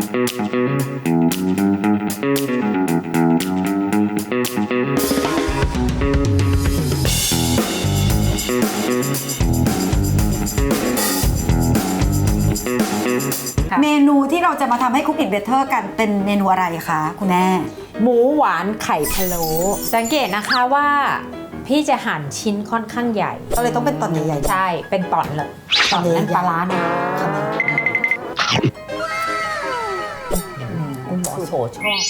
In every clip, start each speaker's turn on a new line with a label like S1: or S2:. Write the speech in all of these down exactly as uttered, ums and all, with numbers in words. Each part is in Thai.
S1: เมนูที่เราจะมาทำให้คุกกิ้งเบเตอร์กันเป็นเมนูอะไรคะคุณแม่
S2: หมูหวานไข่พะโล้สังเกตนะคะว่าพี่จะหั่นชิ้นค่อนข้างใหญ่
S1: ก็เลยต้องเป็นตอนใหญ่ๆ
S2: ใช่เป็นตอนเลยตอนนั้นปลาร้านะคุณหมอโสชอบ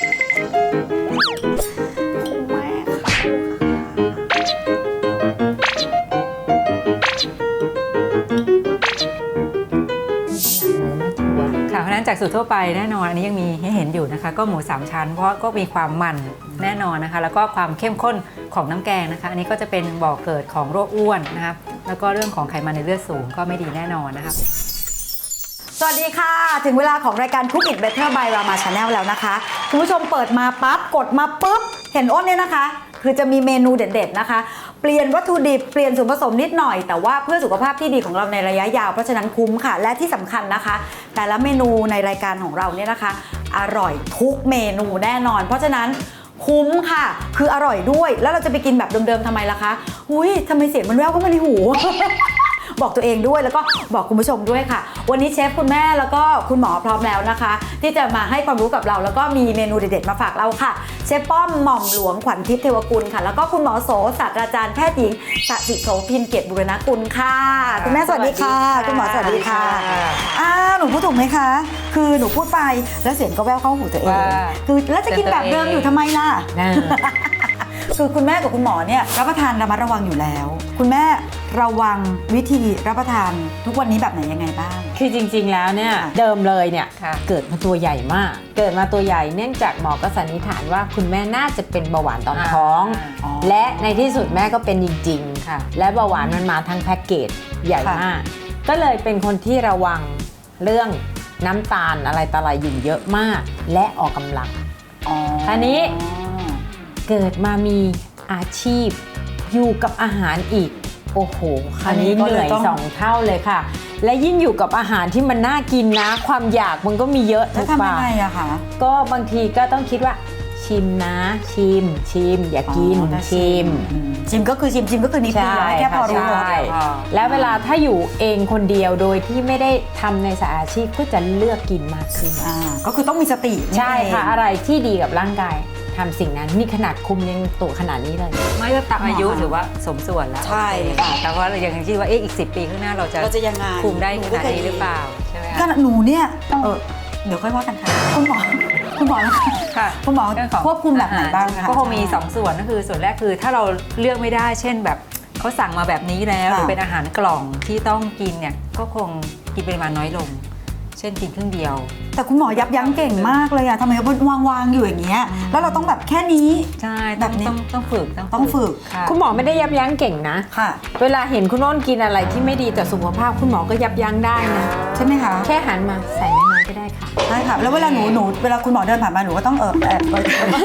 S3: เพราะฉะนั้นจากสูตรทั่วไปแน่นอนอันนี้ยังมีให้เห็นอยู่นะคะก็หมูสามชั้นเพราะก็มีความมันแน่นอนนะคะแล้วก็ความเข้มข้นของน้ำแกงนะคะอันนี้ก็จะเป็นบ่อเกิดของโรคอ้วนนะครับแล้วก็เรื่องของไขมันในเลือดสูงก็ไม่ดีแน่นอนนะครับ
S1: สวัสดีค่ะถึงเวลาของรายการ Cook It Better by Rama Channel แล้วนะคะคุณผู้ชมเปิดมาปั๊บกดมาปุ๊บเห็นอ้นเนี่ยนะคะคือจะมีเมนูเด็ดๆนะคะเปลี่ยนวัตถุดิบเปลี่ยนส่วนผสมนิดหน่อยแต่ว่าเพื่อสุขภาพที่ดีของเราในระยะยาวเพราะฉะนั้นคุ้มค่ะและที่สำคัญนะคะแต่ละเมนูในรายการของเราเนี่ยนะคะอร่อยทุกเมนูแน่นอนเพราะฉะนั้นคุ้มค่ะคืออร่อยด้วยแล้วเราจะไปกินแบบเดิมๆทำไมล่ะคะอุ้ยทำไมเสียงมันแว่วเข้ามาในหู บอกตัวเองด้วยแล้วก็บอกคุณผู้ชมด้วยค่ะวันนี้เชฟคุณแม่แล้วก็คุณหมอพร้อมแล้วนะคะที่จะมาให้ความรู้กับเราแล้วก็มีเมนูเด็ดๆมาฝากเราค่ะเชฟป้อมหม่อมหลวงขวัญทิพย์เทวกุลค่ะแล้วก็คุณหมอโสศาสตราจารย์แพทย์หญิงสศิโสพินเกียรติบุรณกุลค่ะคุณแม่สวัสดีค่ะคุณหมอสวัสดีค่ะอ้าหนูพูดถูกไหมคะคือหนูพูดไปแล้วเสียงก็แว่วเข้าหูตัวเองคือแล้วจะกินแบบเดิมอยู่ทำไมล่ะคือคุณแม่กับคุณหมอเนี่ยรับประทานระมัดระวังอยู่แล้วคุณแม่ระวังวิธีรับประทานทุกวันนี้แบบไหนยังไงบ้าง
S2: คือจริงๆแล้วเนี่ยเดิมเลยเนี่ยเกิดมาตัวใหญ่มากเกิดมาตัวใหญ่เนื่องจากหมอก็สันนิษฐานว่าคุณแม่น่าจะเป็นเบาหวานตอนท้องและในที่สุดแม่ก็เป็นจริงๆค่ะและเบาหวานมันมาทั้งแพ็กเกจใหญ่มากก็เลยเป็นคนที่ระวังเรื่องน้ำตาลอะไรต่ออะไรอยู่เยอะมากและออกกำลังคราวนี้เกิดมามีอาชีพอยู่กับอาหารอีกโอ้โหคราวนี้เหนื่อยสองเท่าเลยค่ะและยิ่งอยู่กับอาหารที่มันน่ากินนะความอยากมันก็มีเยอะ
S1: ทุกปากทำยังไงอะคะ
S2: ก็บางทีก็ต้องคิดว่าชิมนะชิมชิมอย่ากินชิม
S1: ชิมก็คือชิมชิมก็คือนิดเดียวแค่พอรู้
S2: แล้วเวลาถ้าอยู่เองคนเดียวโดยที่ไม่ได้ทำในสายอาชีพก็จะเลือกกินมากขึ้น
S1: ก็คือต้องมีสติ
S2: ใช่ค่ะอะไรที่ดีกับร่างกายทำสิ่งนั้นนี่ขนาดคุมยังตัวขนาดนี้เลย
S3: ไม่ก็ตามอายุถือว่าสมส่วนแล้ว
S1: ใช่ค่ะ
S3: แต่ว่าเรายังคิดว่าเอ๊ะอีกสิบปีข้างหน้าเราจะคุมได้ขนาดนี้หรือเปล่าใช่ไหม
S1: ขนาดหนูเนี่ยเออเดี๋ยวค่อยว่ากันค่ะคุณหมอคุณหมอค่ะคุณหมอควบคุมแบบไหนบ้างคะ
S3: ก็คงมีสองส่วนก็คือส่วนแรกคือถ้าเราเลือกไม่ได้เช่นแบบเขาสั่งมาแบบนี้แล้วหรือเป็นอาหารกล่องที่ต้องกินเนี่ยก็คงกินปริมาณน้อยลงเช่นกินครึ่งเดียว
S1: แต่คุณหมอยับยั้งเก่งมากเลยอะทำไมเขาวางวางอยู่อย่างเงี้ยแล้วเราต้องแบบแค่นี้
S3: ใช่แบบนี้ต้องต้องฝึก
S1: ต้องฝึก
S2: คุณหมอไม่ได้ยับยั้งเก่งนะ
S1: ค่ะ
S2: เวลาเห็นคุณโน้นกินอะไรที่ไม่ดีต่อสุขภาพคุณหมอก็ยับยั้งได้นะ
S1: ใช่ไหมคะ
S2: แค่หันมาใส่น้อยๆก็ได้ค่ะ
S1: ใช่ค่ะแล้วเวลาหนูหนูเวลาคุณหมอเดินผ่านมาหนูก็ต้องเออแอบ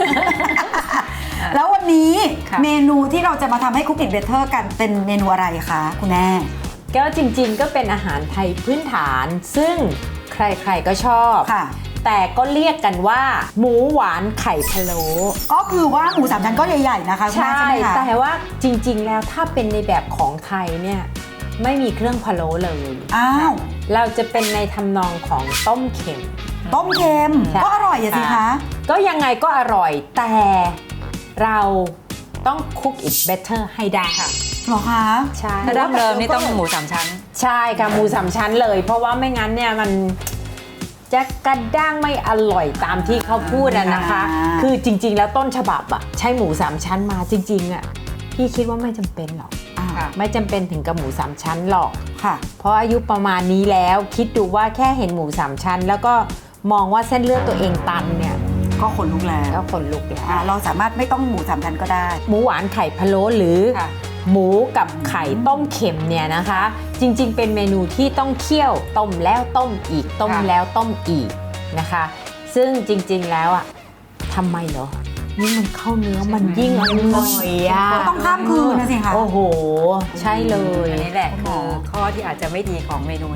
S1: แล้ววันนี้เมนูที่เราจะมาทำให้คุกกิ้งเบเตอร์กันเป็นเมนูอะไรคะคุณแม่
S2: ก็จริงๆก็เป็นอาหารไทยพื้นฐานซึ่งใครๆก็ชอบแต่ก็เรียกกันว่าหมูหวานไข่พะโล้
S1: ก็คือว่าหมูสามชั้นก็ใหญ่ๆนะคะ
S2: ใช่แต่ว่าจริงๆแล้วถ้าเป็นในแบบของไทยเนี่ยไม่มีเครื่องพะโล้เลย
S1: อ้าว
S2: เราจะเป็นในทำนองของต้มเค็ม
S1: ต้มเค็มก็อร่อยสิคะ
S2: ก็ยังไงก็อร่อยแต่เราต้อง cook it better ให้ได้ค่ะ
S1: หรอคะ
S2: ใช่
S3: ถ้าดั้งเดิมนี่ต้องหมูสามชั้น
S2: ใช่ค่ะหมูสามชั้นเลยเพราะว่าไม่งั้นเนี่ยมันจะกระด้างไม่อร่อยตามที่เขาพูดอะนะคะคือจริงๆแล้วต้นฉบับอะใช้หมูสามชั้นมาจริงๆอะพี่คิดว่าไม่จำเป็นหรอกไม่จำเป็นถึงกับหมูสามชั้นหรอก
S1: ค่ะ
S2: เพราะอายุประมาณนี้แล้วคิดดูว่าแค่เห็นหมูสามชั้นแล้วก็มองว่าเส้นเลือดตัวเองตันเนี่ย
S1: ก็ขนลุกแล้ว
S2: ก็ขนลุกแล้ว
S1: เราสามารถไม่ต้องหมูสามชั้นก็ได้
S2: หมูหวานไข่พะโล้หรือหมูกับไข่ต้มเค็มเนี่ยนะคะจริงๆเป็นเมนูที่ต้องเคี่ยวต้มแล้วต้มอีกต้มแล้วต้มอีกนะคะซึ่งจริงๆแล้วอ่ะทำไมเหรอนี่มันเข้าเนื้อมันยิ่งอร่อยอ่ะ
S1: ต้องข้ามคืนนะสิคะ
S2: โอ้โหใช่เลย
S3: อันนี้แหละคือข้อที่อาจจะไม่ดีของเมนูนี้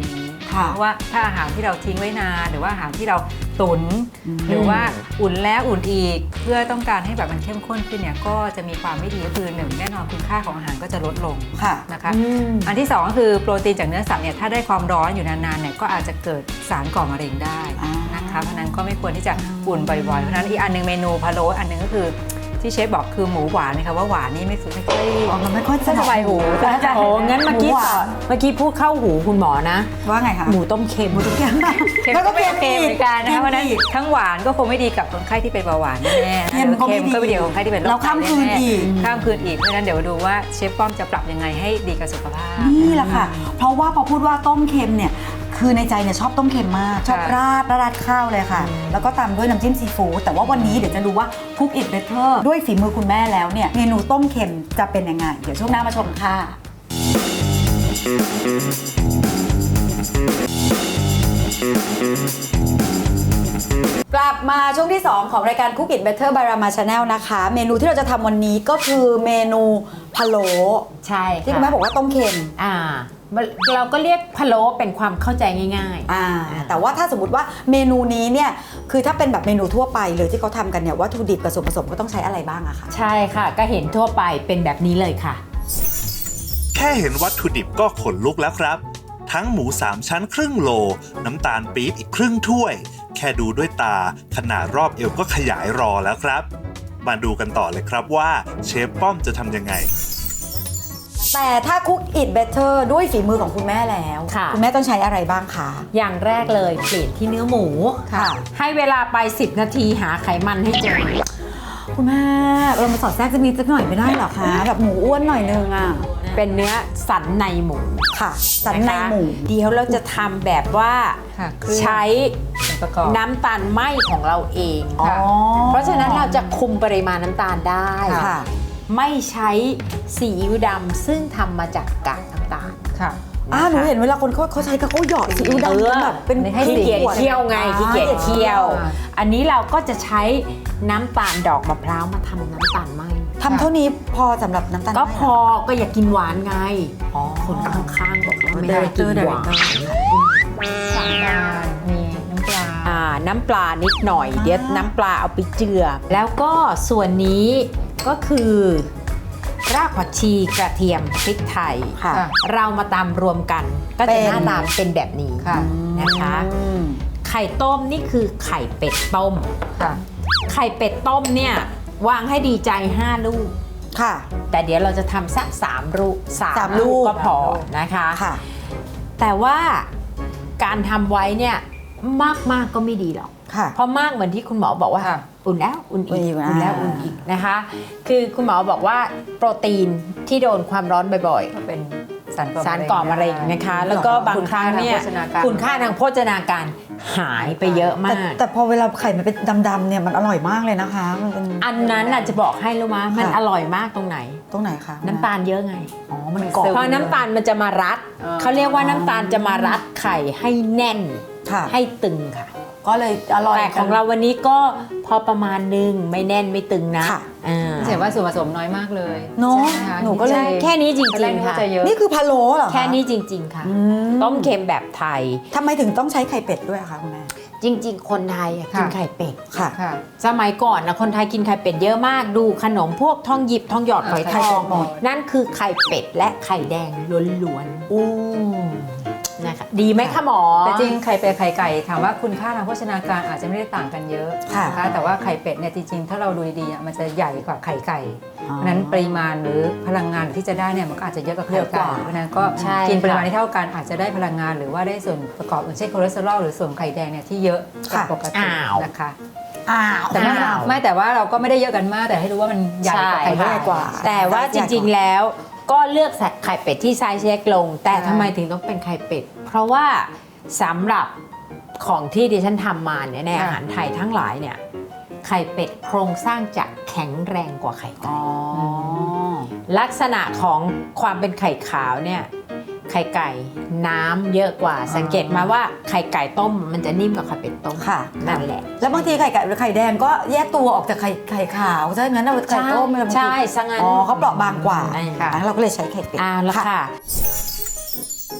S1: ค่ะ
S3: เพราะว่าถ้าอาหารที่เราทิ้งไว้นานหรือว่าอาหารที่เราตุน
S1: อืม
S3: หรือว่าอุ่นแล้วอุ่นอีกเพื่อต้องการให้แบบมันเข้มข้นขึ้นเนี่ยก็จะมีความไม่ดีก็คือหนึ่งแน่นอนคุณค่าของอาหารก็จะลดลง
S1: ค่ะ
S3: นะคะ
S2: อืม
S3: อันที่สองก็คือโปรตีนจากเนื้อสัตว์เนี่ยถ้าได้ความร้อนอยู่นานๆเนี่ยก็อาจจะเกิดสารก่อมะเร็งได้
S1: อ่าน
S3: นะคะเพราะฉะนั้นก็ไม่ควรที่จะอุ่นบ่อยๆเพราะฉะนั้นอีกอันหนึงเมนูพะโล้อันหนึงก็คือที่เชฟบอกคือหมูหวานนะคะว่าหวานนี่ไม่สุดไม่ค่อย
S1: อ๋อมันไม่ค่อย
S3: ไม่สบายหู
S1: แต่
S2: โอ้งั้นเมื่อกี้
S1: หวา
S2: ต่อน เมื่อกี้พูดเข้าหูคุณหมอนะ
S1: ว่าไงคะ
S2: หมูต้มเค็ม
S1: หมูต้มเค็ม
S3: เค็ม
S1: แล้ว
S3: ก็
S1: ก็
S3: ไม่
S1: เค็
S3: โอ
S1: ม
S3: เค
S1: อี
S3: เห
S1: ก
S3: มือนกันนะคะเพราะฉะนั้น
S1: อีก
S3: ทั้งหวานก็คงไม่ดีกับคนไข้ที่เป็นเบาหวานแน่ๆนะ
S1: เค็มก็ไม่ดี
S3: ก็ไม่ดีกับคนไข้ที่เป็นโรค
S1: เราข้ามคืนอีก
S3: ข้ามคืนอีกเพราะฉะนั้นเดี๋ยวดูว่าเชฟป้อมจะปรับยังไงให้ดีกับสุขภาพ
S1: นี่แหละค่ะ เพราะว่าพอพูดว่าต้มเค็มเนี่ยคือในใจเนี่ยชอบต้มเค็มมาก ชอบ
S3: ค่ะ
S1: ราดราดข้าวเลยค่ะ แล้วก็ตามด้วยน้ำจิ้มซีฟู้ดแต่ว่าวันนี้เดี๋ยวจะดูว่า Cook It Better ด้วยฝีมือคุณแม่แล้วเนี่ยเมนูต้มเค็มจะเป็นยังไง เดี๋ยวช่วงหน้ามาชมค่ะ กลับมาช่วงที่ สอง ของรายการ Cook It Better by Rama Channel นะคะ เมนูที่เราจะทำวันนี้ก็คือเมนูพะโล้
S2: ใช่
S1: ที่คุณแม่บอกว่าต้มเค็ม
S2: อ่าเราก็เรียกพะโล้เป็นความเข้าใจง่าย
S1: อ่าแต่ว่าถ้าสมมติว่าเมนูนี้เนี่ยคือถ้าเป็นแบบเมนูทั่วไปเลยที่เขาทำกันเนี่ยวัตถุดิบกับส่วนผสมก็ต้องใช้อะไรบ้างอะคะ
S2: ๆ ใช่ค่ะ ก็เห็นทั่วไปเป็นแบบนี้เลยค่ะ
S4: แค่เห็นวัตถุดิบก็ขนลุกแล้วครับ ทั้งหมูสามชั้นครึ่งโล น้ำตาลปี๊บอีกครึ่งถ้วย แค่ดูด้วยตาขนาดรอบเอวก็ขยายรอแล้วครับ มาดูกันต่อเลยครับว่าเชฟป้อมจะทำยังไง
S1: แต่ถ้า Cook It Better ด้วยฝีมือของคุณแม่แล้ว
S2: ค่ะ
S1: ณแม่ต้องใช้อะไรบ้างคะ
S2: อย่างแรกเลยเปลี่ยนที่เนื้อหมู
S1: ค่ะ
S2: ให้เวลาไป สิบ นาทีหาไขมันให้เจอ
S1: คุณแม่เรามาสอดแทรกจะมีสักหน่อยไม่ได้เหรอคะแบบหมูอ้วนหน่อยนึงอ่ะ
S2: เป็นเนื้อสันในหมู
S1: ค่ะสันในหมู
S2: นะคะเดี๋ยวเราจะทำแบบว่า
S3: ค่ะเครื่อง
S2: ใช้
S3: ส่วนประกอบ
S2: น้ำตาลไหมของเราเอง
S1: อ๋อ
S2: ค่ะเพราะฉะนั้นเราจะคุมปริมาณน้ำตาลได้
S1: ค่ะ
S2: ไม่ใช้ซีอิ๊วดำซึ่งทำมาจากกากน้ำตาล
S3: ค่ะ
S1: อ่าหนูเห็นเวลาคนเขาเขาใช้ก็เขาหยอดซีอิ๊วดำ
S2: เออ
S1: แบบเป็น
S3: ให้
S2: ขี้
S3: สี
S2: เกียจเคี่ยวไง
S1: อ่า
S2: ขี้เกียจเคี่ยว
S3: อ่า
S2: อันนี้เราก็จะใช้น้ำตาลดอกมะพร้าวมาทำน้ำตาลไหม
S1: ทำเท่านี้พอสำหรับน้ำตาล
S2: ก็
S1: ไหม
S2: พอก็อย่ากินหวานไง
S1: อ๋อ
S2: คนข้างๆบอกว่าไม่
S3: เด
S2: ได้
S3: เรคเต
S2: กิ
S3: อน ร์เด
S2: ห
S3: เร
S2: วา
S3: คน เตอร์สามดานมีน้ำปลา
S2: อ่าน้ำปลานิดหน่อย เดี๋ยวน้ำปลาเอาไปเจือ แล้วก็ส่วนนี้ก็คือรากผักชีกระเทียมพริกไทย
S1: ค่ะ
S3: ค่ะ
S2: เรามาตำรวมกัน ก็
S1: เป็
S2: จะ
S1: น
S2: หน้าตาเป็นแบบนี้
S3: ค่ะ
S2: นะคะ
S1: อืม
S2: ไข่ต้มนี่คือไข่เป็ดต้ม
S3: ค่ะ
S2: ไข่เป็ดต้มเนี่ยวางให้ดีใจห้าลูก
S1: ค่ะ
S2: แต่เดี๋ยวเราจะทำสักสามลูกสาม
S1: สามลู
S2: ลู
S1: ก
S2: กก็พอนะคะ
S1: ค่ะ
S2: แต่ว่าการทำไว้เนี่ยมากมากๆก็ไม่ดีหรอก
S1: ค่ะ
S2: เพราะมากเหมือนที่คุณหมอบอกว่า
S3: ค่ะ
S2: อุ่นแล้วอุ่นอีก
S1: อุ่นอีก
S2: อุ่นแล้ว
S1: อ่า
S2: อุ่นอีกนะคะ คือคุณหมอบอกว่าโปรตีนที่โดนความร้อนบ่อย
S3: ก็เป็นสารก่อ
S2: ๆ สารก่อมะเร็งนะคะ แล้วก็บางครั้งเนี่ย
S3: คุ
S2: คุณ ณ
S3: ค่า
S2: ค่า
S3: ทา
S2: ทาง ง
S3: โภ
S2: โภ
S3: ช
S2: ช
S3: นา
S2: นาการหายไปเยอะ
S1: แต่
S2: มาก
S1: แต่พอเวลาไข่มันเป็นดำๆเนี่ยมันอร่อยมากเลยนะคะ มันเป็น
S2: อันนั้นน่ะจะบอกให้รู้มั้ยมัน
S1: ค่ะ
S2: อร่อยมากตรงไหน
S1: ตรงไหนคะ
S2: น้ำตาลเยอะไง
S1: อ๋อมัน
S3: มัน
S1: เกาะ
S3: ซึม
S2: เพราะน้ำตาลมันจะมารัด
S3: อ่า
S2: เขาเรียกว่าน้ำตาลจะมารัดไข่ให้แน่น
S1: ค่ะ
S2: ให้ตึงค่ะ
S1: ก็เลยอร่อย
S2: แต่ของเราวันนี้ก็พอประมาณนึงไม่แน่นไม่ตึงนะ
S1: ค่ะ
S2: อ่า
S3: เห็นว่าส่วนผสมน้อยมากเลย
S1: เนอะ
S3: ใช่ไหมคะ
S1: หนูก็เลย
S3: ใช่
S2: แค่นี้จริง
S3: ตอนแรก
S2: ๆ
S3: นึก
S2: ค่ะ
S3: ว่าจะเยอะ
S1: นี่คือพะโล้เหรอคะ
S2: แค่นี้จริง ๆ ค่ะ
S1: อืม
S2: ต้มเค็มแบบไทย
S1: ทำไมถึงต้องใช้ไข่เป็ดด้วยอะคะคุณแม่
S2: จริง ๆ คนไทยอะกิน
S3: ค่ะ
S2: ไข่เป็ด
S1: ค่ะ
S3: ค่ะ
S2: สมัยก่อนนะคนไทยกินไข่เป็ดเยอะมากดูขนมพวกทองหยิบทองหยอดฝอยท
S3: ไข่
S2: อ
S3: เป็
S2: ง
S3: ดหมด
S2: นั่นคือไข่เป็ดและไข่แดงล้วน
S1: อู้
S2: ๆนะคะดีไหมคะหมอ
S3: แต่จริงไข่เป็ดไข่ไก่ถามว่าคุณค่าทางโภชนาการอาจจะไม่ได้ต่างกันเยอะ
S1: ค่ะ
S3: นะคะแต่ว่าไข่เป็ดเนี่ยจริงๆ ถ้าเราดูดีๆอ่ะมันจะใหญ่กว่าไข่ไก่
S1: อ๋อ
S3: เพราะฉะนั้นปริมาณหรือพลังงานที่จะได้เนี่ยมันก็อาจจะเยอะกว่าไข่
S1: เยอะก
S3: ไก่
S1: ว่า
S3: เพราะฉะนั้นก็
S2: ใช่
S3: กินปริมาณ
S2: ค่ะ
S3: ที่เท่ากันอาจจะได้พลังงานหรือว่าได้ส่วนประกอบอื่นเช่นคอเลสเตอรอลหรือส่วนไข่แดงเนี่ยที่เยอะกว่าปกติ
S2: อ้าว
S3: นะคะ
S1: อ้าว
S3: แต่ไม่
S2: อ้าว
S3: ไม่แต่ว่าเราก็ไม่ได้เยอะกันมากแต่ให้รู้ว่ามันใหญ่กว่าไข่
S2: ใช่
S3: ไก่
S1: ใหญ่กว่า
S2: แต่ว่าจริงๆแล้วก็เลือกใส่ไข่เป็ดที่ไซส์เล็กลง แต่ทำไมถึงต้องเป็นไข่เป็ด เพราะว่าสำหรับของที่ดิฉันทำมาเนี่ยในอาหารไทยทั้งหลายเนี่ยไข่เป็ดโครงสร้างจะแข็งแรงกว่าไข่ไก่
S1: อ๋อ
S2: ลักษณะของความเป็นไข่ขาวเนี่ยไข่ไก่น้ำเยอะกว่า สังเกตมาว่าไข่ไก่ต้มมันจะนิ่มกว่าไข่เป็ดต้ม
S1: ค่ะ
S2: นั่นแหละ
S1: แล้วบางทีไข่ไก่หรือไข่แดงก็แยกตัวออกจากไข่ไข่ขาวใช่งั้นเราไข่ต้มเนี่ยบางที
S2: ใช่ซะงั้น
S1: อ๋อเขาเปราะบางกว่า
S2: ใช่
S1: ค่ะเราก็เลยใช้ไข่เป็ด
S2: อ่าแล้วค่ะ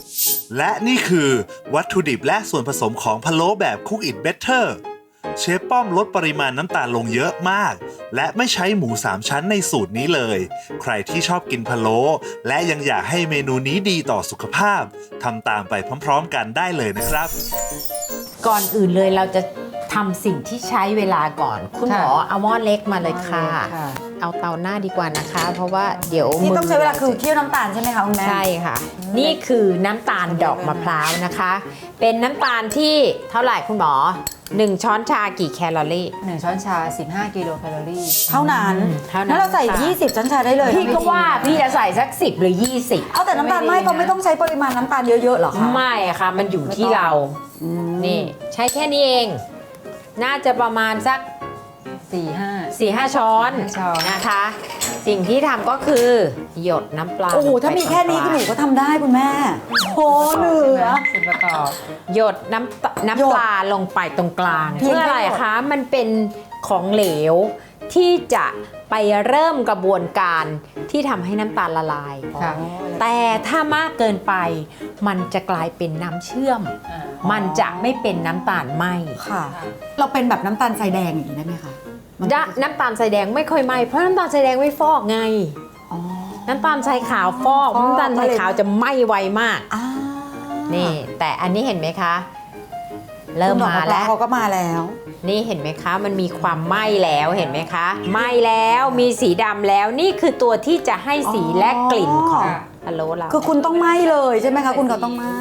S4: และนี่คือวัตถุดิบและส่วนผสมของพะโล้แบบ Cook It Better เชฟป้อมลดปริมาณน้ำตาลลงเยอะมาก และไม่ใช้หมูสามชั้นในสูตรนี้เลย ใครที่ชอบกินพะโล้และยังอยากให้เมนูนี้ดีต่อสุขภาพทำตามไปพร้อมๆกันได้เลยนะครับ
S2: ก่อนอื่นเลยเราจะทำสิ่งที่ใช้เวลาก่อน คุณหมอเอาหม้อเล็กมาเลยค่ะ
S3: ค่ะ
S2: เอาเตาหน้าดีกว่านะคะ เพราะว่าเดี๋ยว
S1: นี่ต้องใช้เวลาคือ
S2: มื
S1: เคี่ยวน้ำตาลใช่ไหมคะคุณแม่
S2: ใช่ค่ะ นี่คือน้ำตาลดอกมะพร้าวนะคะ เป็นน้ำตาลที่เท่าไหร่คุณหมอหนึ่งช้อนชากี่แคลอรี่
S3: หนึ่งช้อนชา สิบห้า กิโลแคลอรี่
S1: เท่านั้น
S2: อืมเท่านั้น
S1: งั้นเราใส่
S2: ค่ะ
S1: ยี่สิบช้อนชาได้เลย
S2: พี่ก็ว่าพี่จะใส่สักสิบหรือยี่สิบ
S1: เอาแต่น้ำตาลไม่ก็ไม่ต้องใช้ปริมาณน้ำตาลเยอะๆหรอคะ
S2: ไม่ค่ะ มันอยู่ที่เรา
S1: อืม
S2: นี่ ใช้แค่นี้เอง น่าจะประมาณสัก
S3: สี่ห้า
S2: สี่ห้าช้อน
S3: ช้อน
S2: นะคะ สิ่งที่ทำก็คือหยดน้ำปลา
S1: โอ้โหถ้ามีแค่นี้คุณหนูก็ทำได้คุณแม่โหเหนือ
S3: ส่วนประกอบ
S2: หยดน้ำต
S1: หย
S2: น้ำ
S1: ด
S2: ปลาลงไปตรงกลาง
S1: เพียง
S2: เพื่ออะไร
S1: แค่หยด
S2: คะ มันเป็นของเหลวที่จะไปเริ่มกระบวนการที่ทำให้น้ำตาลละลาย
S3: ค่ะ
S2: แต่ถ้ามากเกินไป มันจะกลายเป็นน้ำเชื่อม มันจะไม่เป็นน้ำตาลไหม
S1: ค่ะ เราเป็นแบบน้ำตาลทรายแดงอย่างนี้ได้ไหมคะมัน
S2: ดะน้ำตาลทรายแดงไม่ค่อยไหมเพราะน้ำตาลทรายแดงไม่ฟอกไง
S1: อ๋อ
S2: น้ำตาลทรายขาวฟอก
S1: ฟอก
S2: น้ำตาลทรายขาวจะไหม้ไวมาก
S1: อ่า
S2: นี่ แต่อันนี้เห็นไหมคะ เริ่มมาแล้ว
S1: เขาก็มาแล้ว
S2: นี่เห็นไหมคะ มันมีความไหม้แล้วเห็นไหมคะ ไหม้แล้วมีสีดำแล้วนี่คือตัวที่จะให้สีและกลิ่นของ
S3: ค่ะ
S2: พะโล้เรา
S1: คือคุณต้องไหม้เลยใช่ไหมคะคุณก็ต้องไหม้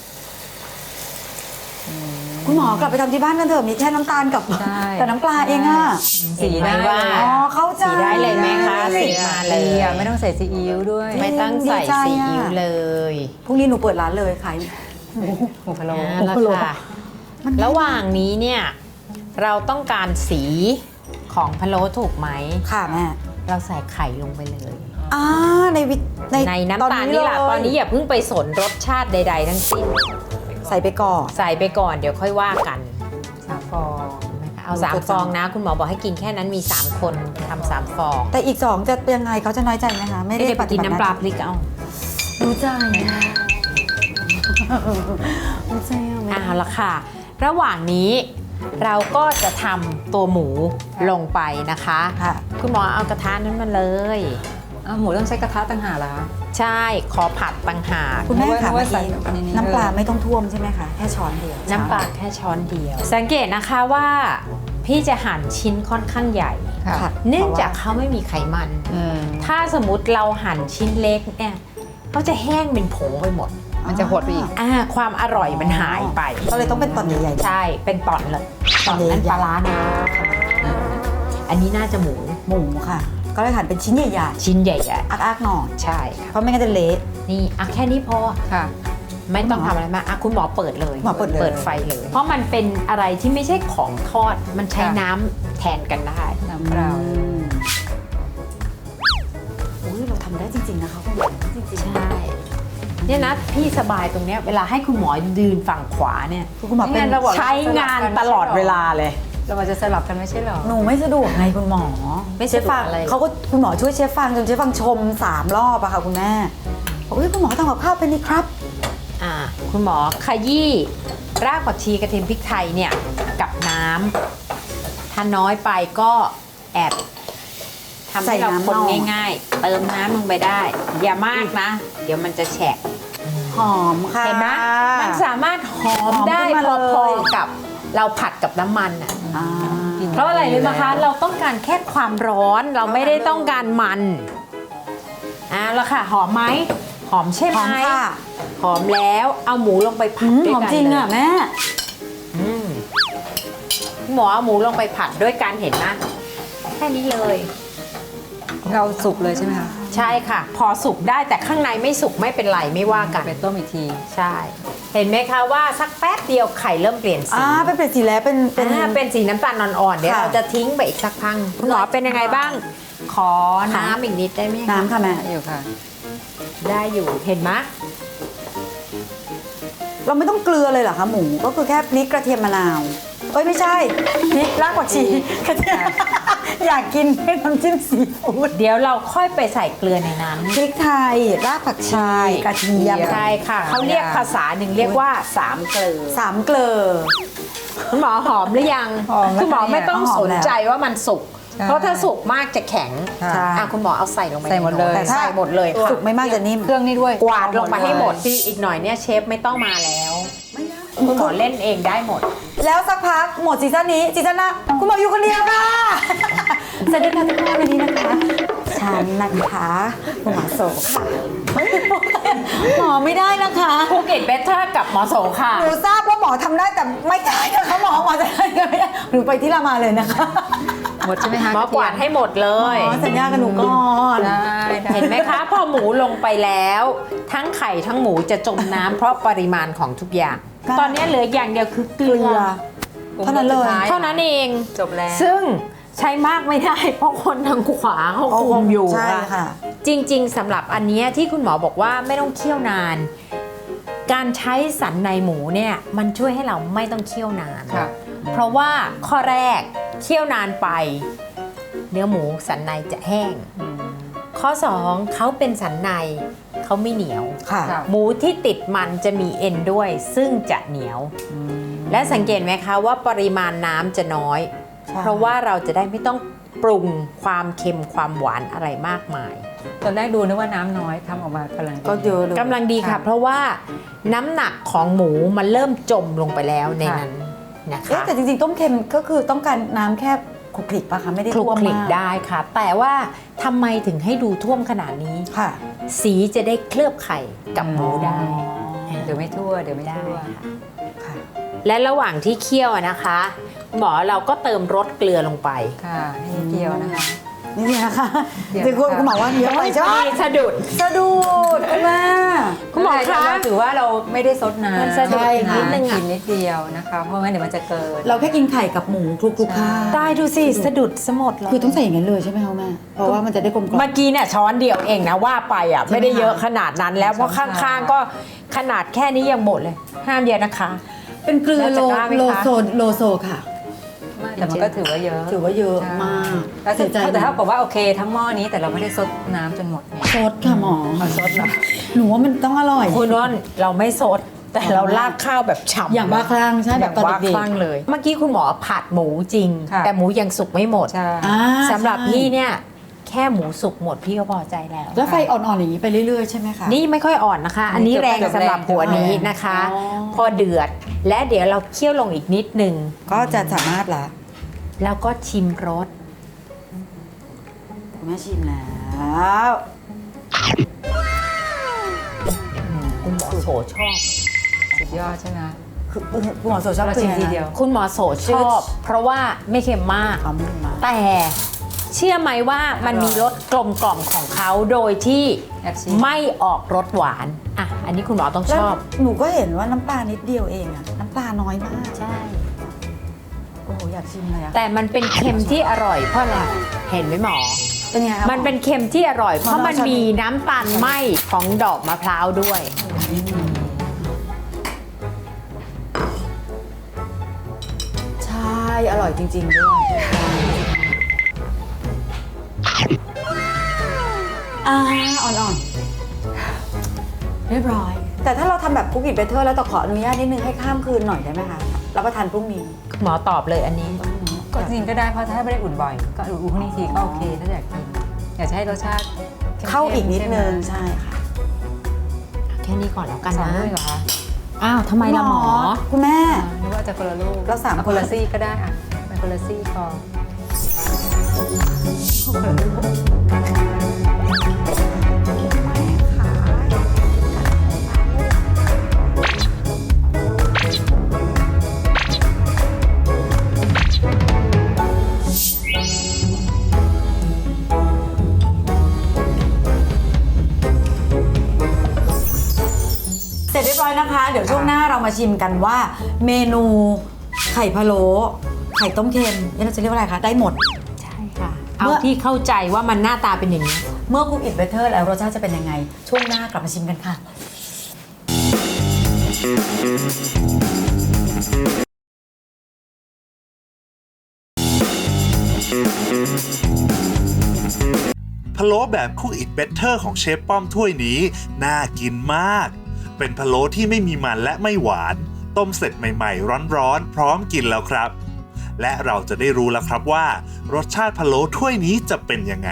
S1: คุณหมอกลับไปทำที่บ้านกันเถอะมีแค่น้ำตาลกับ
S3: ใช่
S1: กับน้ำปลาเองอะ
S3: สี
S2: เห็นไหม
S3: ได้
S2: ว่า
S3: เลย
S1: อ๋อเข้าใจ
S2: สีได้เลยไหมคะสีมาเลย
S3: ดีอ่ะไม่ต้องใส่ซีอิ๊วด้วย
S2: ไม่ต้องใส่
S1: ดีใจ
S2: ซี
S1: อะ
S2: อิ๊วเลย
S1: พรุ่งนี้หนูเปิดร้านเลยขาย
S3: หมูพะโล้
S2: เอาละค่ะ ระหว่างนี้เนี่ยเราต้องการสีของพะโล้ถูกไหม
S1: ค่ะแม่
S2: เราใส่ไข่ลงไปเลย
S1: อ่าในวิใน
S2: ในน้ำตาลนี่แหละ
S1: เลย
S2: ตอนนี้อย่าเพิ่งไปสนรสชาติใด ๆ ทั้งสิ้น
S1: ใส่ไปก่อน
S2: ใส่ไปก่อนเดี๋ยวค่อยว่ากัน
S3: สามฟอง
S2: นะคะเอาสาม
S1: กด
S2: ฟอง
S1: สาม
S2: นะ คุณหมอบอกให้กินแค่นั้นมี สาม คนทำสามฟอง
S1: แต่อีกสองจะยังไงเขาจะน้อยใจไหมคะ ไม่
S2: ไม่
S1: ได้
S2: ได้ไปกินน้ำปลาพริกเอา
S1: รู้ใจรู้ใจอะแม่
S2: เอาละค่ะ ระหว่างนี้เราก็จะทำตัวหมูลงไปนะคะ
S1: ค่ะ
S2: คุณหมอเอากระทะนั้นมาเลย
S3: อ้าวหมูต้องใช้กระทะต่างหากเหรอคะ
S2: ใช่ขอผัดต่างหาก
S1: คุณแม่
S3: นึกว่า
S1: ค่ะ
S3: นึกว่าใส่
S1: เมื่อกี้
S3: ในนี้
S1: น้ำปลา
S3: เลย
S1: ไม่ต้องท่วมใช่ไหมคะแค่ช้อนเดียว
S2: น้ำปลาแค่ช้อนเดียว สังเกตนะคะว่าพี่จะหั่นชิ้นค่อนข้างใหญ่
S3: ค่ะ
S1: ค่ะ
S2: เนื่องจากเขาไม่มีไขมัน
S3: อืม
S2: ถ้าสมมติเราหั่นชิ้นเล็กเนี่ยเขาจะแห้งเป็นผงไปหมด
S3: มันจะหดไปอีก
S2: อ่าความอร่อยมันหายไป
S1: ก็เลยต้องเป็นตอนใหญ่ๆ
S2: ใช่ เป็นตอนเลยตอนนั้น
S1: ใหญ่ๆ
S2: ปลาร้านะอันนี้น่าจะหมู
S1: หมูค่ะ ก็เลยหั่นเป็นชิ้นใหญ่
S2: ชิ้นใหญ่
S1: ๆอักๆหน่อย
S2: ๆ ใช่ค่ะ
S1: เพราะไม่งั้นจะเละ
S2: นี่อ่ะแค่นี้พอ
S3: ค่ะ
S2: ไม่ต้องทำอะไรมากอ่ะคุณหมอเปิดเลย
S1: หมอเปิดเลย
S2: เปิดไฟเลย เพราะมันเป็นอะไรที่ไม่ใช่ของทอด มันใช้
S3: ค่ะ
S2: น้ำแทนกันได้
S3: น้ำเปล่า
S1: อืมอุ้ยเราทำได้จริง ๆ นะคะคุณหมอจริง
S2: ใช่ เนี่ยนะพี่สบายตรงเนี้ยเวลาให้คุณหมอยืนฝั่งขวาเนี่ย
S1: ๆคุณหมอเป็น
S3: ไม่งั้นเราบอก
S2: ใช้งานตลอดเวลาเลย
S3: เรามาจะสลับกันไม่ใช่เหรอ
S1: หนูไม่สะดวกไงคุณหมอ
S2: ไม่
S1: เช
S2: สะ
S1: ฟ
S2: ดวก
S1: ฟัง
S2: อะไร
S1: เขาก็คุณหมอช่วยเชฟฟังจนเชฟฟังชมสามรอบอะค่ะคุณแม่บอกว่าคุณหมอทำกับข้าวเป็นนี่ครับ
S2: อ่าคุณหมอขยี้รากผักชีกระเทียมพริกไทยเนี่ยกับน้ำถ้าน้อยไปก็แอบทำให้เราคนง่ายๆ เติมน้ำลงไปได้ อย่ามากนะ เดี๋ยวมันจะแฉะ
S1: หอมค่ะ
S2: เห็นไหมมันสามารถหอม
S1: หอม
S2: ได้
S1: ขึ้นมา
S2: พ
S1: เลย
S2: อๆกับเราผัดกับน้ำมันอ่ะ
S1: อ่า
S2: เพราะอะไรรู้ไหมคะ เราต้องการแค่ความร้อนเราไม่ได้ต้องการมันอ่ะแล้วค่ะ หอมไหมหอมใช่
S1: ห
S2: ไหม
S1: อมค่ะ
S2: หอมแล้วเอาหมูลงไปผั
S1: อื
S2: ด
S1: ม
S2: ด้วย
S1: หอม
S2: กัน
S1: จริง
S2: เลย
S1: อะแม่
S2: อืมหมอเอาหมูลงไปผัดด้วยการเห็นนะแค่นี้เลย
S3: เราสุกเลยใช่ไหมคะ
S2: ใช่ค่ะ พอสุกได้แต่ข้างในไม่สุกไม่เป็นไรไม่ว่ากัน
S3: ไปต้มอีกที
S2: ใช่ เห็นไหมคะว่าสักแป๊บเดียวไข่เริ่มเปลี่ยนสี
S1: อ่าเป็นเปลี่ยนสีแล้วเป็นเป็น
S2: อ่าเป็นสีน้ำตาลอ่อนๆเดี๋ยว
S1: ค่ะ
S2: เราจะทิ้งไปอีกสักพักคุณหมอเป็นยังไงบ้าง ขอน้ำอีกนิดได้ไหมคะ
S1: น้ำค่ะแม่
S3: อยู่ค่ะ
S2: ได้อยู่เห็นไหม
S1: เราไม่ต้องเกลือเลยเหรอคะหมูก็คือแค่พริกกระเทียมมะนาวเอ้ยไม่ใช่พริกรากผักชีกระเทียมอยากกินน้ำจิ้มซีฟู้ด
S2: เดี๋ยวเราค่อยไปใส่เกลือในนั้น
S1: พริกไทยรากผักชีกระเทียม
S2: ใช่ค่ะเขาเรียกภาษาหนึ่งเรียกว่าสามเกลือ
S1: สามเกลือ
S2: คุณหมอหอมหรือยัง
S3: หอมแล้ว
S2: คุณหมอไม่ต้อง
S1: หอ
S2: ส
S1: ม
S2: น
S1: แล้ว
S2: ใจว่ามันสุก
S3: ใช่
S2: เพราะถ้าสุกมากจะแข็ง
S1: ใช่
S2: อ่ะคุณหมอเอาใส่ลงไป
S3: ใส่หมดเลย
S2: แต่ใส่หมดเลย
S1: สุกไม่มากจะนิ่ม
S3: เครื่องนี่ด้วย
S2: กวาดลงมาให้หมด
S3: เลย
S2: ที่อีกหน่อยเนี่ยเชฟไม่ต้องมาแล้ว คุณหมอเล่นเองได้หมด
S1: แล้วสักพักหมดซีซั่นนี้ซีซั่นหน้าคุณหมออยู่คนเดียวค่ะ สวัสดีค่ะทุกคนวันนี้นะคะฉันนะคะคุณหมอโสค่ะหมอไม่ได้นะคะ
S2: ภูเก็ตเบเตอร์กับหมอโสค่ะ
S1: หนูทราบว่าหมอทำได้แต่ไม่ได้นะคะหมอหมอจะได้ก็ไม่ได้หนูไปที่รามาเลยนะคะ
S3: หมดใช่ไหมคะ
S2: หมอกวาดให้หมดเลย
S1: หมอสัญญากับหนูก่อน
S3: ได้ได้
S2: เห็นไหมคะ พอหมูลงไปแล้ว ทั้งไข่ทั้งหมูจะจมน้ำเพราะปริมาณของทุกอย่าง ตอนนี้เหลืออย่างเดียวคือเก
S1: เก
S2: ลื
S1: ลื
S2: อ
S1: อ เท่านั้นเลย
S2: เท่านั้นเอง
S3: จบแล้ว
S2: ซึ่งใช้มากไม่ได้ เพราะคนทางขวาเขาคุมอยู่
S1: ใช่ค่ะ
S2: จริงๆสำหรับอันเนี้ยที่คุณหมอบอกว่าไม่ต้องเคี่ยวนาน การใช้สันในหมูเนี่ยมันช่วยให้เราไม่ต้องเคี่ยวนาน
S3: ค่ะ
S2: เพราะว่าข้อแรกเคี่ยวนานไป เนื้อหมูสันในจะแห้ง ข้อสองเขาเป็นสันในเขาไม่เหนียว
S1: ค่ะ
S3: ค่ะ
S2: หมูที่ติดมันจะมีเอ็นด้วย ซึ่งจะเหนียว และสังเกตไหมคะว่าปริมาณน้ำจะน้อย
S1: ใช่
S2: เพราะว่าเราจะได้ไม่ต้องปรุงความเค็มความหวานอะไรมากมาย
S3: ตอนแรกดูนึกว่าน้ำน้อยทำออกมากำลังดี
S1: ก็เยอะเลย
S2: กำลังดีค่ะ
S3: ค่ะ
S2: เพราะว่าน้ำหนักของหมูมันเริ่มจมลงไปแล้วใน
S3: ค่ะ
S2: นั้นนะ
S1: เอ๊ะ
S2: คะ
S1: แต่จริงๆต้มเค็มก็คือต้องการน้ำแค่คลุกคลิกปะคะไม่ได้
S2: คลุก
S1: ท่วม
S2: คลิก
S1: มาก
S2: ได้ค่ะ แต่ว่าทำไมถึงให้ดูท่วมขนาดนี้
S1: ค่ะ
S2: สีจะได้เคลือบไข่กับหมูได้
S3: เดี๋ยวไม่ทั่วเดี๋ยวไม่
S2: ได้
S3: ทั่ว
S2: ค่ะ
S1: ค่ะ
S2: และระหว่างที่เคี่ยวอะนะคะ หมอเราก็เติมรสเกลือลงไป
S3: ค่ะให้เกี่ยวนะคะ
S1: นี่นะคะ
S3: เดี๋ยว
S1: ที่คุณ
S3: ค่ะ
S1: คุณหมอว่าเยอะไปใช่ไหม
S2: มีสะดุด
S1: สะดุดคุณแม่
S2: คุณหมอคะ
S3: เราถือว่าเราไม่ได้ซดน้ำ
S2: มันสะดุด
S3: ใช่
S2: นิดนึงอะ
S3: กินนิดเดียวนะคะ เพราะงั้นเดี๋ยวมันจะเกิน
S1: เราแค่กินไข่กับหมูคลุกคลุกๆข้าว
S2: ได้ดูสิสะดุดสมดเลย
S1: คือต้องใส่อย่างนั้นเลยใช่ไหมคะแม่เพราะว่ามันจะได้กลมกล่อม
S2: เมื่อกี้เนี่ยช้อนเดียวเองนะว่าไปอ่ะ
S1: ใช่ไหม
S2: ไม่ได้เยอะขนาดนั้นแล้วเพราะ
S3: ช้อนชา
S2: ข้างๆก็ขนาดแค่นี้ยังหมดเลย ห้ามเยอะนะคะ
S1: เป็นเกลือ
S2: แล้ว
S1: โล
S2: จะกล้าไหมคะ
S1: โลโซโลโซค่ะ
S3: ไม่แต่มันก็ถือว่าเยอะ
S1: ถือว่าเยอะมาก
S3: แล้ว
S1: เสียใจ
S3: แต่
S1: นะ
S3: ถ้าบอกว่าโอเคทั้งหม้อนี้แต่เราไม่ได้ซดน้ำจนหมดไง
S1: ซดค่ะหมอ
S3: ขอซดเหรอ
S1: หนูว่ามันต้องอร่อย
S2: คุณน้นเราไม่สด แต่เราลากข้าวแบบฉ่ำ
S1: อย่างบ้าคลั่งใช่
S2: อ
S1: แบ
S2: ย่า
S1: บ
S2: ง
S1: ตอน
S2: บ้า
S1: เด็ก
S2: คลั่งเลย เมื่อกี้คุณหมอผัดหมูจริง
S3: ค่ะ
S2: แต่หมูยังสุกไม่หมด
S3: ใช่
S1: ๆอ่า
S2: สำหรับ
S1: ใช่
S2: พี่เนี่ยแค่หมูสุกหมดพี่ก็พอใจแล้ว
S1: แล้วไฟอ่อนๆอย่างนี้ไปเรื่อยๆใช่ไหมคะ
S2: นี่ไม่ค่อยอ่อนนะคะ อันนี้แรงสำหรับหัวนี้นะคะ
S1: อ๋อ
S2: พอเดือดและเดี๋ยวเราเคี่ยวลงอีกนิดนึง
S1: ก็จะสามารถละ
S2: แล้วก็ชิมรส
S1: คุณแม่ชิมแล้ว
S2: คุณหมอโสชอบ
S3: สุดยอดใช่ไหม
S1: คือคุณหมอโสชอบ
S3: เรา
S1: คือ
S3: ชิม
S1: ยังไง
S3: ที
S1: นะ
S3: เดียว
S2: คุณหมอโสชอบ เพราะว่าไม่เค็มมาก
S1: เอามือมา
S2: แต่เชื่อไหมว่ามันมีรสกลมกล่อมของเขาโดยที่
S3: แอบชิม
S2: ไม่ออกรสหวานอ่ะอันนี้คุณหมอต้อง
S1: แล้ว
S2: ชอบ
S1: หนูก็เห็นว่าน้ำปลานิดเดียวเองอะน้ำปลาน้อยมาก
S2: ใช่
S1: โอ้โหอยากชิมเลยอะ
S2: แต่มันเป็นเค็มที่อร่อยเพราะอะไรเห็นไหมหมอ
S1: เป็นไงคะ
S2: มันเป็นเค็มที่อร่อย เพราะมัน
S1: ชอบ
S2: มีน้ำตาลไหมของดอกมะพร้าวด้วย
S1: ใช่อร่อยจริง ๆ ด้วยอ่าอ่อนๆ เรียบร้อย แต่ถ้าเราทำแบบคุกกี้เบเทอร์แล้วแต่ขออนุญาตนิดนึงให้ข้ามคืนหน่อยได้ไหมคะรับประทานพรุ่งนี้
S2: หมอตอบเลยอันนี้
S3: ก็จริงๆก็ได้เพราะถ้าไม่ได้อุ่นบ่อย ก็อุ่นพรุ่งนี้ทีก็โอเคถ้าอยากกินอยากจะให้รสชาติมๆ
S1: เข้าอีกนิดนึง
S3: ใช่
S1: ใช่ค่ะ
S2: แค่นี้ก่อนแล้ว
S3: ไหม
S2: กัน
S3: สอง
S2: นะ
S3: ลูกเหรอคะ
S2: อ้าวทำไมล่ะหมอ
S1: คุณแม่
S3: อ่านึกว่าจะคนละลูก
S1: เราสาม
S3: เอ
S1: คน
S3: ละซี่ก็ได้อ่ะเป็นคนละซี่พอ
S1: เสร็จเรียบร้อยนะคะ เดี๋ยวช่วงหน้าเรามาชิมกันว่า เมนูไข่พะโล้ไข่ต้มเค็มนี่เราจะเรียกว่าอะไรคะ ได้หมด
S2: ใช่ค่ะ เอา
S1: เมื่อ
S2: ที่เข้าใจว่ามันหน้าตาเป็นอย่างนี้
S1: เมื่อคุกอิ t เบเตอร์แล้วรสชาติจะเป็นยังไง ช่วงหน้ากลับมาชิมกันค่ะ
S4: 「 พะโล้แบบ Cook It Better ของเชฟป้อมถ้วยนี้น่ากินมาก เป็นพะโล้ที่ไม่มีมันและไม่หวาน ต้มเสร็จใหม่ๆร้อนๆพร้อมกินแล้วครับ และเราจะได้รู้แล้วครับว่ารสชาติพะโล้ถ้วยนี้จะเป็นยังไง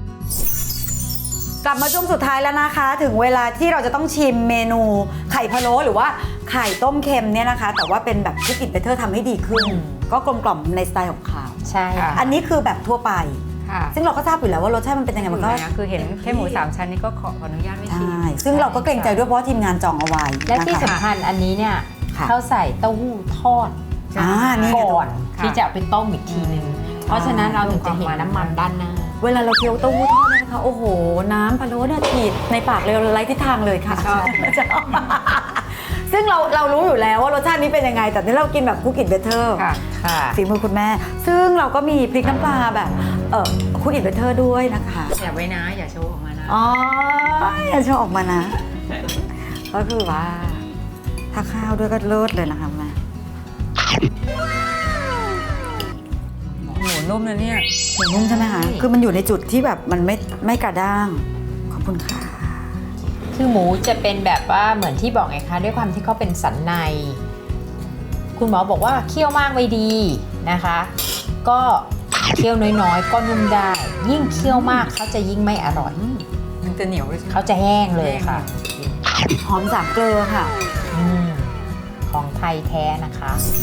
S1: กลับมาช่วงสุดท้ายแล้วนะคะ ถึงเวลาที่เราจะต้องชิมเมนูไข่พะโล้หรือว่าไข่ต้มเค็มเนี่ยนะคะ แต่ว่าเป็นแบบ Cook It Better ทำให้ดีขึ้น ก็กลมกล่อมในสไตล์ของเขา
S2: ใช่ค่ะ
S1: อันนี้คือแบบทั่วไป
S3: ค่ะ
S1: ซึ่งเราก็ทราบอยู่แล้วว่ารสชาติมันเป็นยังไงมันก็
S3: นะคือเห็นแค่หมูสามชั้นนี่ก็ขออนุญาตไม่ชิม
S1: ใช่ซึ่งเราก็เกรงใจด้วยเพราะว่าทีมงานจองเอาไว้
S2: และที่
S1: นะคะ
S2: สำคัญอันนี้เนี่ย
S1: ค่ะ
S2: เขาใส่เต้าหู้ทอด
S1: อ่านี่ไง
S2: ก่อน
S3: ค่ะ
S2: ที่จะเอาไปต้มอีกทีนึง เพราะฉะนั้นเราถึงจะเห็นน้ำมันด้านหน้า
S1: เวลาเราเคี้ยวเต้าหู้ทอดเนี่ยนะคะโอ้โหน้ำพะโล้เนี่ยฉีดในปากเลยไร้ทิศทางเลยค่ะ
S3: ชอบ
S1: ชอบ ซึ่งเราเรารู้อยู่แล้วว่ารสชาตินี้เป็นยังไง แต่ที่เรากินแบบ Cook It Better
S3: ค่ะ
S2: ค่ะ
S1: ฝีมือคุณแม่ ซึ่งเราก็มีพริกน้ำปลาแบบเออ Cook It Better ด้วยนะคะ
S3: อย่าไว้นะ อย่าโชว์ออกมานะ
S1: อ๋ออย่าโชว์ออกมานะ ก็คือว่าถ้าข้าวด้วยก็เลิศเลยนะคะแม่
S3: หมูนุ่มนะเนี่ย
S1: หมูนุ่มใช่ไหมคะคือมันอยู่ในจุดที่แบบมันไม่ไม่กระด้างขอบคุณค่ะ
S2: คือหมูจะเป็นแบบว่าเหมือนที่บอกไงคะด้วยความที่เขาเป็นสันใน คุณหมอบอกว่าเคี่ยวมากไม่ดีนะคะ ก็เคี่ยวน้อยๆ ก็นุ่มได้ ยิ่งเคี่ยวมากเขาจะยิ่งไม่อร่อย
S3: มันจะเหนียวด้วยใช่ไหม
S2: เขาจะแห้งเลยค่ะ
S1: หอมสามเกลือค่ะ
S2: อืมของไทยแท้นะคะ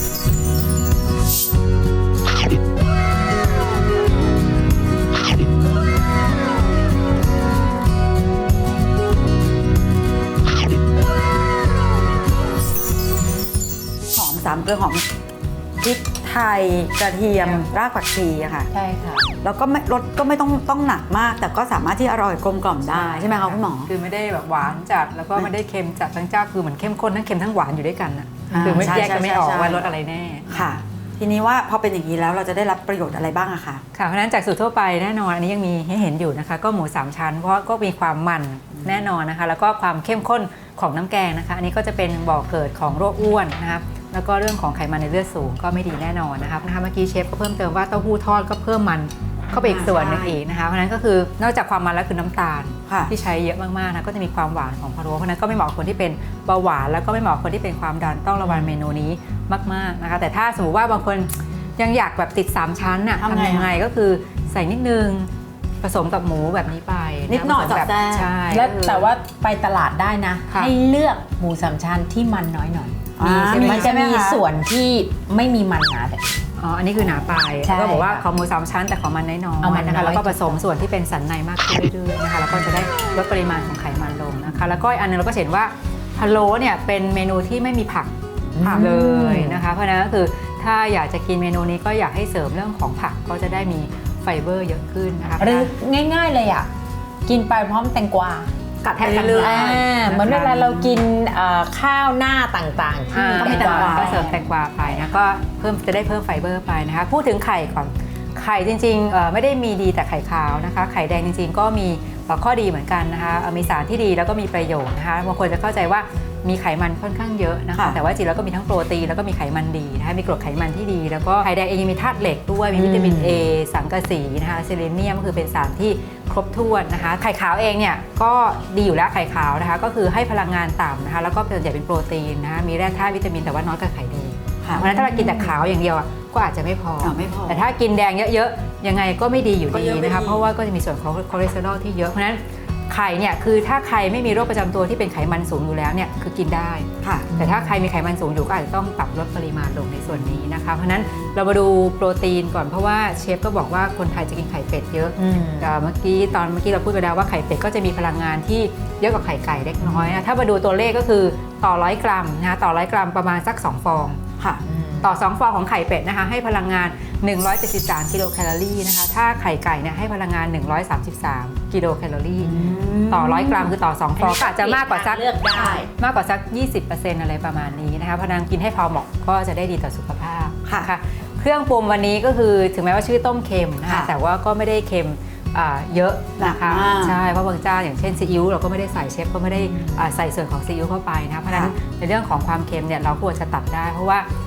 S1: หอมสามเกลือหอมพริกไทยกระเทียมรากผักชีอะค่ะ
S2: ใช่ค่ะ
S1: แล้วก็ไม่รสก็ไม่ต้องต้องหนักมาก แต่ก็สามารถที่อร่อยกลมกล่อมได้ใช่ไหมคะคุณหมอ
S3: คือไม่ได้แบบหวานจัดแล้วก็ไม่ได้เค็มจัดทั้งเจ้าคือเหมือนเข้มข้นทั้งเค็มทั้งหวานอยู่ด้วยกันน่ะ
S1: อ่า
S3: คือไม่
S1: ใช่
S3: แยกกันไม่ออก
S1: ใช่
S3: ว่ารสอะไรแน่
S1: ค่ะ ทีนี้ว่าพอเป็นอย่างนี้แล้วเราจะได้รับประโยชน์อะไรบ้างอะคะ
S3: ค่ะเพราะฉะนั้นจากสูตรทั่วไปแน่นอนอันนี้ยังมีให้เห็นอยู่นะคะก็หมูสามชั้นเพราะก็มีความมันแน่นอนนะคะแล้วก็ความเข้มข้นของน้ำแกงนะคะอันนี้ก็จะเป็นบ่อเกิดของโรคอ้วนนะครับแล้วก็เรื่องของไขมันในเลือดสูงก็ไม่ดีแน่นอนนะครับนะคะเมื่อกี้เชฟก็เพิ่มเติมว่าเต้าหู้ทอดก็เพิ่มมันเข้าไปอีกส่วนหนึงอีกนะคะเพราะฉะนั้นก็คือนอกจากความมันแล้วคือน้ำตาล
S1: ค่ะ
S3: ที่ใช้เยอะมากๆนะก็จะมีความหวานของพะโล้เพราะฉะนั้นก็ไม่เหมาะกับคนที่เป็นเบาหวานแล้วก็ไม่เหมาะกับคนที่เป็นความดันต้องระวังเมนูนี้มากๆนะคะแต่ถ้าสมมติว่าบางคนยังอยากแบบติดสามชั้นน่ะ
S1: ทำไง
S3: ทำยังไงก็คือใส่นิดนึงผสมกับหมูแบบนี้ไปะ
S1: นิดหน่อย
S3: ผสมแบบ
S1: สอดแทรก
S3: ใช่
S2: แล้ว
S3: ก็คือ
S2: แต่ว่าไปตลาดได้นะ
S3: ค่ะ
S2: ให้เลือกหมูสามชั้นที่มันน้อยหน่อย
S1: อ่า
S2: มันจะมีส่วนที่ไม่มีมันหนาแต่
S3: อ๋ออันนี้คือหนาไป
S2: ใช่
S3: ก็บอกว่า
S2: ค่ะ
S3: ขอหมูสามชั้นแต่ขอมันน้อย
S2: เอามัน
S3: ๆนะคะ
S2: น้อย
S3: แล้วก็ผสมส่วนที่เป็นสันในมากขึ้นเรื่อยๆนะคะแล้วก็จะได้ลดปริมาณของไขมันลงนะคะแล้วก็อีกอันนึงเราก็เห็นว่าพะโล้เนี่ยเป็นเมนูที่ไม่มีผัก ผักเลยนะคะเพราะฉะนั้นก็คือถ้าอยากจะกินเมนูนี้ก็อยากให้เสริมเรื่องของผักก็จะได้มีไฟเบอร์เยอะขึ้นนะคะ
S2: หรือง่ายๆเลยอ่ะ กินไปพร้อมแตงกวา
S1: กัดไปเรื่อย
S2: อ่าเหมือนเวลาเรากินเอ่อข้าวหน้าต่างๆที่
S3: อ่า
S2: มี
S3: ก็
S2: แต
S3: มี
S2: ง
S3: แตง
S2: ก
S3: กวาว
S2: า
S3: ก็เสริมแตงกวาไปนะก็เพิ่มจะได้เพิ่มไฟเบอร์ไปนะคะพูดถึงไข่ก่อนไข่จริงๆเอ่อไม่ได้มีดีแต่ไข่ขาวนะคะไข่แดงจริงๆก็มีข้อดีเหมือนกันนะคะเอ่อมีสารที่ดีแล้วก็มีประโยชน์นะคะบางคนจะเข้าใจว่ามีไขมันค่อนข้างเยอะนะคะ
S1: ค่ะ
S3: แต่ว่าจริงๆแล้วก็มีทั้งโปรตีนแล้วก็มีไขมันดีนะคะมีกรดไขมันที่ดี แล้วก็ไข่แดงเองยังมีธาตุเหล็กด้วยมีวิตามิน A สังกะสีนะคะเซเลเนียมก็คือเป็นสารที่ครบถ้วนนะคะไข่ขาวเองเนี่ยก็ดีอยู่แล้วไข่ขาวนะคะก็คือให้พลังงานต่ำนะคะแล้วก็ส่วนใหญ่เป็นโปรตีนนะคะมีแร่ธาตุวิตามินแต่ว่าน้อยกว่าไข่แดง
S1: ค่ะ
S3: เพราะฉะนั้นถ้าเรากินแต่ขาวอย่างเดียวอ่ะก็อาจจะไม่พอ
S1: อ่าไม่พอ
S3: แต่ถ้ากินแดงเยอะๆยังไงก็ไม่ดีอยู่
S1: ก็
S3: ดี
S1: เยอะไม่
S3: นะคะ
S1: ดี
S3: เพราะว่าก็จะมีส่วนของคอเลสเตอรอลที่เยอะเพราะฉะนั้นไข่เนี่ยคือถ้าใครไม่มีโรคประจำตัวที่เป็นไขมันสูงอยู่แล้วเนี่ยคือกินได้
S1: ค่ะ
S3: แต่ถ้าใครมีไขมันสูงอยู่ก็อาจจะต้องปรับลดปริมาณลงในส่วนนี้นะคะเพราะฉะนั้นเรามาดูโปรตีนก่อนเพราะว่าเชฟก็บอกว่าคนไทยจะกินไข่เป็ดเยอะ
S2: อืม
S3: เอ่อเมื่อกี้ตอนเมื่อกี้เราพูดไปแล้วว่าไข่เป็ดก็จะมีพลังงานที่เยอะกว่าไข่ไก่เล็กน้อยนะถ้ามาดูตัวเลขก็คือต่อร้อยกรัมนะคะต่อร้อยกรัมประมาณสักสองฟอง
S1: ค่ะ
S3: ต่อสองฟองของไข่เป็ดนะคะให้พลังงานหนึ่งร้อยเจ็ดสิบสามกิโลแคลอรี่นะคะถ้าไข่ไก่เนี่ยให้พลังงานหนึ่งร้อยสามสิบสามกิโลแคลอรี่ต่อร้อยกรัมคือต่อสองฟองก็อาจจะมากกว่าสัก
S2: เลือกได้
S3: มากกว่าสัก ยี่สิบเปอร์เซ็นต์ อะไรประมาณนี้นะคะเพราะฉะนั้นกินให้พอเหมาะก็จะได้ดีต่อสุขภาพ
S1: ค่ะ
S3: นเครื่องปรุงวันนี้ก็คือถึงแม้ว่าชื่อต้มเค็มนะคะ
S1: ค่ะ
S3: แต่ว่าก็ไม่ได้เค็มอ่าเยอะนะคะ
S1: หนักมาก
S3: ใช่เพราะบางเจ้าอย่างเช่นซีอิ๊วเราก็ไม่ได้ใส่เชฟก็ไม่ได้อ่าใส่ส่วนของซีอิ๊วเข้าไปนะคะเพราะฉะนั้น
S1: ค่ะ
S3: ในเรื่องของความเค็มเนี่ยเราควรจะตัดได้ เพราะว่า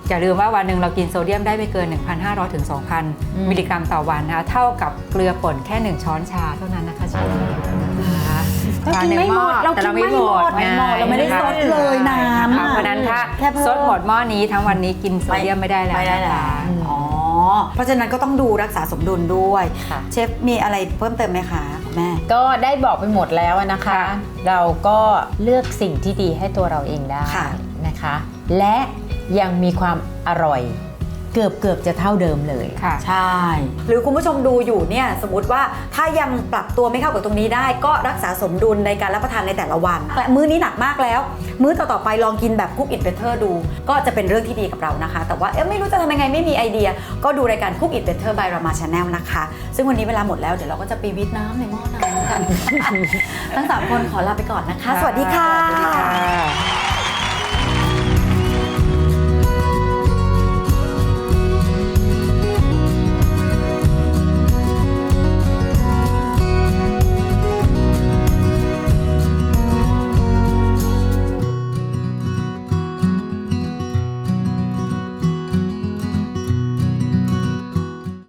S3: อย่าลืมว่าวันหนึ่งเรากินโซเดียมได้ไม่เกิน หนึ่งพันห้าร้อย ถึง สองพัน
S2: อืม
S3: มิลลิกรัมต่อวันนะคะเท่ากับเกลือป่นแค่ หนึ่ง ช้อนชาเท่านั้นนะคะชานะคะ
S1: เรากินไม่หมดเรา
S3: แต่
S1: กิน
S3: เรา
S1: ไม่
S3: ไม่
S1: ห
S3: ห
S1: ม
S3: ม
S1: ด
S3: ด
S1: ไม่หมดเราไม่ได้ซดเลยน้ำ
S3: ค่ะ
S1: อะ
S3: เพราะฉะนั้นถ้า
S1: แค่เพิ่ม
S3: ซดหมดหม้อนี้ทั้งวันนี้กินโซเดียมไม่ได้แล้ว
S1: ไม่ได้แล้ว
S3: นะคะ
S1: อ๋อเพราะฉะนั้นก็ต้องดูรักษาสมดุลด้วย
S2: ค่ะ
S1: เชฟมีอะไรเพิ่มเติมไหมคะคุณแม่
S2: ก็ได้บอกไปหมดแล้วนะคะ
S3: ค่ะ
S2: เราก็เลือกสิ่งที่ดีให้ตัวเราเองได้
S1: ค่ะ
S2: นะคะ และยังมีความอร่อย เกือบเกือบจะเท่าเดิมเลย
S3: ค่ะ
S1: ใช่ หรือคุณผู้ชมดูอยู่เนี่ยสมมติว่าถ้ายังปรับตัวไม่เข้ากับตรงนี้ได้ ก็รักษาสมดุลในการรับประทานในแต่ละวันและมื้อนี้หนักมากแล้ว มื้อต่อๆไปลองกินแบบคุกอิ t เบเ t อร์ดู ก็จะเป็นเรื่องที่ดีกับเรานะคะ แต่ว่าเอ๊ะไม่รู้จะทำยังไงไม่มีไอเดีย ก็ดูรายการคุกอิ t เบเ t อร์ by Rama Channel นะคะ ซึ่งวันนี้เวลาหมดแล้วเดี๋ยวเราก็จะไปวิทน้ำในหม้อน้ำกัน ทั้งสามคนขอลาไปก่อนนะคะ สวัสดีค่ะ
S3: สวัสดีค่ะ